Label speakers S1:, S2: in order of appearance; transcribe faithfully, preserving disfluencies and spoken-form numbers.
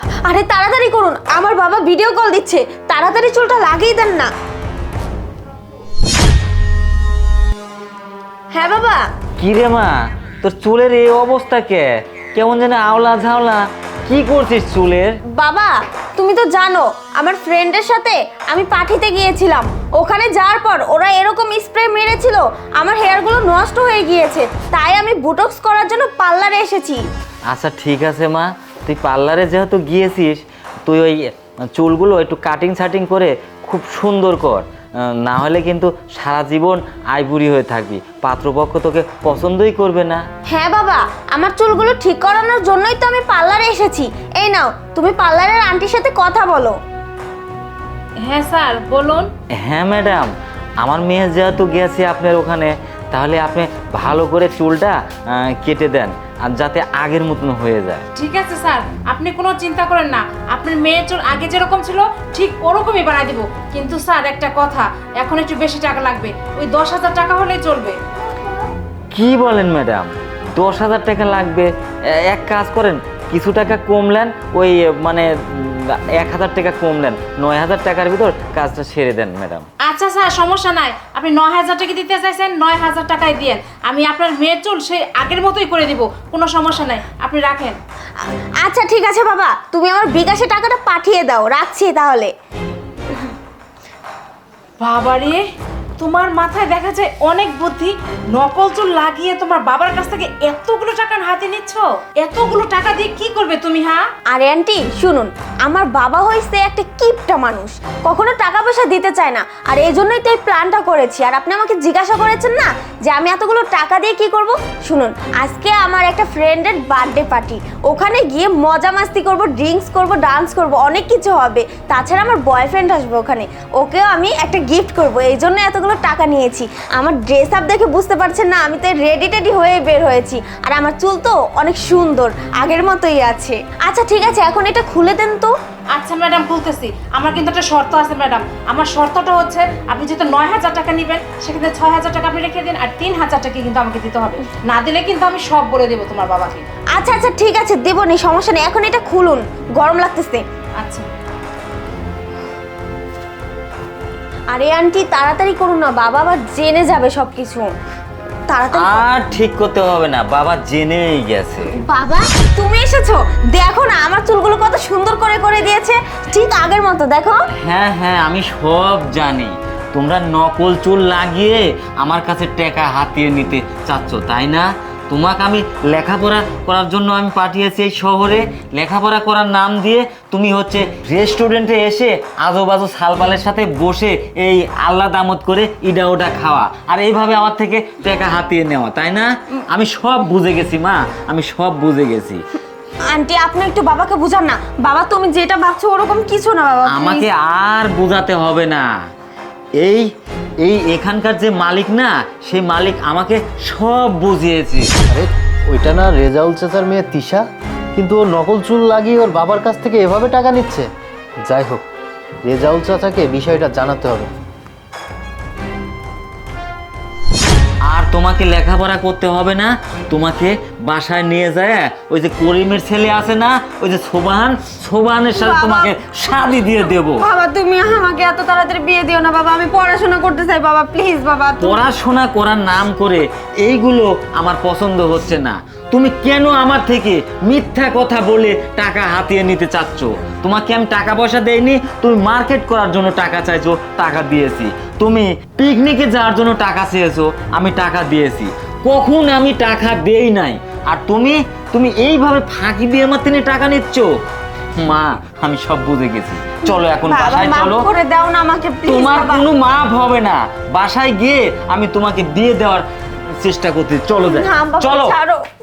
S1: আরে তাড়াতাড়ি করুন, আমার বাবা ভিডিও কল দিচ্ছে, তাড়াতাড়ি চুলটা লাগিয়ে দেন না। হ্যাঁ বাবা।
S2: কি রে মা, তোর চুলের এই অবস্থা কে? কেমন যেন আওলা ঝাওলা, কি করছিস চুলের?
S1: বাবা তুমি তো জানো আমার ফ্রেন্ডের সাথে আমি পাঠিতে গিয়েছিলাম, ওখানে যাওয়ার পর ওরা এরকম স্প্রে মেরেছিল, আমার হেয়ারগুলো নষ্ট হয়ে গিয়েছে, তাই আমি বুটক্স করার জন্য পার্লারে এসেছি।
S2: আচ্ছা ঠিক আছে মা, তুই পার্লারে যেহেতু গিয়েছিস, তুই ওই চুলগুলো একটু কাটিং সাটিং করে খুব সুন্দর কর, না হলে কিন্তু সারা জীবন আইবুড়ি হয়ে থাকবি, পাত্রপক্ষ তোকে পছন্দই করবে না।
S1: হ্যাঁ বাবা, আমার চুলগুলো ঠিক করানোর জন্যই তো আমি পার্লারে এসেছি। এই নাও, তুমি পার্লারের আন্টির সাথে কথা বলো।
S3: হ্যাঁ স্যার বলুন।
S2: হ্যাঁ ম্যাডাম, আমার মেয়ে যেহেতু গেছে আপনার ওখানে, তাহলে আপনি ভালো করে চুলটা কেটে দেন, আর যাতে আগের মতন হয়ে যায়।
S3: ঠিক আছে স্যার, আপনি কোনো চিন্তা করেন না, আপনার মেয়ের চুল আগে যেরকম ছিল ঠিক ওরকমই বানাই দিব। কিন্তু স্যার একটা কথা, এখন একটু বেশি টাকা লাগবে, ওই দশ হাজার টাকা হলেই চলবে।
S2: কি বলেন ম্যাডাম, দশ হাজার টাকা লাগবে? এক কাজ করেন, কিছু টাকা কমলেন, ওই মানে এক হাজার টাকা কমলেন, নয় হাজার টাকার ভিতর কাজটা সেরে দেন ম্যাডাম।
S3: আচ্ছা স্যার সমস্যা নাই, আপনি নয় হাজার টাকা দিতে চাইছেন, নয় হাজার টাকাই দিয়েন, আমি আপনার মেয়ের চুল সেই আগের মতোই করে দিব, কোনো সমস্যা নাই, আপনি রাখেন।
S1: আচ্ছা ঠিক আছে বাবা, তুমি আমার বিকাশে টাকাটা পাঠিয়ে দাও, রাখছি তাহলে।
S3: বাবারে, তোমার মাথায় দেখা যায় অনেক বুদ্ধি, নকল চুল লাগিয়ে তোমার বাবার কাছ থেকে এতগুলো টাকা হাতে নিচ্ছ, এতগুলো টাকা দিয়ে কি করবে তুমি? হ্যাঁ
S1: আরে আন্টি শুনুন, আমার বাবা হইছে একটা কিপটা মানুষ, কখনো টাকা পয়সা দিতে চায় না, আর এই জন্যই তো এই প্ল্যানটা করেছি। আর আপনি আমাকে জিজ্ঞাসা করেছেন না যে আমি এতগুলো টাকা দিয়ে কি করব, শুনুন আজকে আমার একটা ফ্রেন্ডের বার্থডে পার্টি, ওখানে গিয়ে মজা মাস্তি করব, ড্রিঙ্কস করব, ডান্স করব, অনেক কিছু হবে, তাছাড়া আমার বয়ফ্রেন্ড আসবে ওখানে, ওকেও আমি একটা গিফট করব, এই জন্য এতগুলো টাকা নিয়েছি। আমার ড্রেস আপ দেখে বুঝতে পারছেন না, আমি তো রেডি টেডি হয়ে বের হয়েছি, আর আমার চুল তো অনেক সুন্দর, আগের মতোই আছে। আচ্ছা ঠিক আছে, এখন এটা খুলে দেন তো।
S3: আচ্ছা ম্যাডাম বলতেছি, আমার কিন্তু একটা শর্ত আছে ম্যাডাম, আমার শর্তটা হচ্ছে আপনি যেহেতু নয় হাজার টাকা নেবেন, সেক্ষেত্রে ছয় হাজার টাকা আপনি রেখে দিন, আর তিন হাজার টাকা কিন্তু আমাকে দিতে হবে, না দিলে কিন্তু আমি সব বলে দেবো তোমার বাবাকে।
S1: আচ্ছা আচ্ছা ঠিক আছে, দেবো নি, সমস্যা নেই, এখন এটা খুলুন, গরম লাগতেছে।
S3: আচ্ছা
S1: আরে আন্টি তাড়াতাড়ি করুন না, বাবা আবার জেনে যাবে সবকিছু, তাড়াতাড়ি।
S2: আর ঠিক করতে হবে না, বাবা জেনেই গেছে।
S1: বাবা তুমি এসেছো, দেখো না আমার চুলগুলো কত সুন্দর করে করে দিয়েছে, ঠিক আগের মতো, দেখো।
S2: হ্যাঁ হ্যাঁ আমি সব জানি, তোমরা নকল চুল লাগিয়ে আমার কাছে টাকা হাতিয়ে নিতে চাচ্ছ তাই না? তোমাকে আমি লেখাপড়া করার জন্য আমি পাঠিয়েছি এই শহরে, লেখাপড়া করার নাম দিয়ে তুমি হচ্ছে রেস্টুরেন্টে এসে আজো বাজো সালপালের সাথে বসে এই আল্লাহ দামত করে ইডা ওটা খাওয়া, আর এইভাবে আমার থেকে টাকা হাতিয়ে নেওয়া, তাই না? আমি সব বুঝে গেছি মা, আমি সব বুঝে গেছি।
S1: আন্টি আপনি একটু বাবাকে বুঝান না, বাবা তুমি যেটা ভাবছো ওরকম কিছু না বাবা,
S2: আমাকে আর বোঝাতে হবে না, এই এই এখানকার যে মালিক না, সেই মালিক আমাকে সব বুঝিয়েছে।
S4: আরে ওইটা না রেজাউল চাচার মেয়ে তিশা, কিন্তু ও নকল চুল লাগিয়ে ওর বাবার কাছ থেকে এভাবে টাকা নিচ্ছে। যাই হোক, রেজাউল চাচাকে বিষয়টা জানাতে হবে।
S2: আর তোমাকে লেখাপড়া করতে হবে না, তোমাকে বাসায় নিয়ে যায় ওই যে করিমের ছেলে আছে না, ওই যে সোবাহান, সোবাহানের সাথে তোমাকে শাদি দিয়ে দেব।
S1: বাবা তুমি আমাকে এত তাড়াতাড়ি বিয়ে দিও না বাবা, আমি পড়াশোনা করতে চাই বাবা, প্লিজ বাবা।
S2: পড়াশোনা করার নাম করে এইগুলো আমার পছন্দ হচ্ছে না। তুমি কেন আমার থেকে মিথ্যা কথা বলে টাকা হাতিয়ে নিতে চাচ্ছ? তোমাকে আমি টাকা পয়সা দেইনি, তুমি মার্কেট করার জন্য টাকা চাইছো, টাকা দিয়েছি। তুমি পিকনিকে যাওয়ার জন্য টাকা চেয়েছো, আমি টাকা দিয়েছি। কখন আমি টাকা দেই নাই, আর তুমি তুমি এইভাবে ফাঁকি দিয়ে আমার থেকে টাকা নিচ্ছ। মা আমি সব বুঝে গেছি, চলো এখন বাসায় চলো।
S1: মাফ করে দাও না আমাকে প্লিজ
S2: তোমার
S1: বাবা।
S2: কোনো মাপ হবে না, বাসায় গিয়ে আমি তোমাকে বিয়ে দেওয়ার চেষ্টা করতে, চলো যাই,
S1: না বাবা
S2: চলো।
S1: ছাড়ো।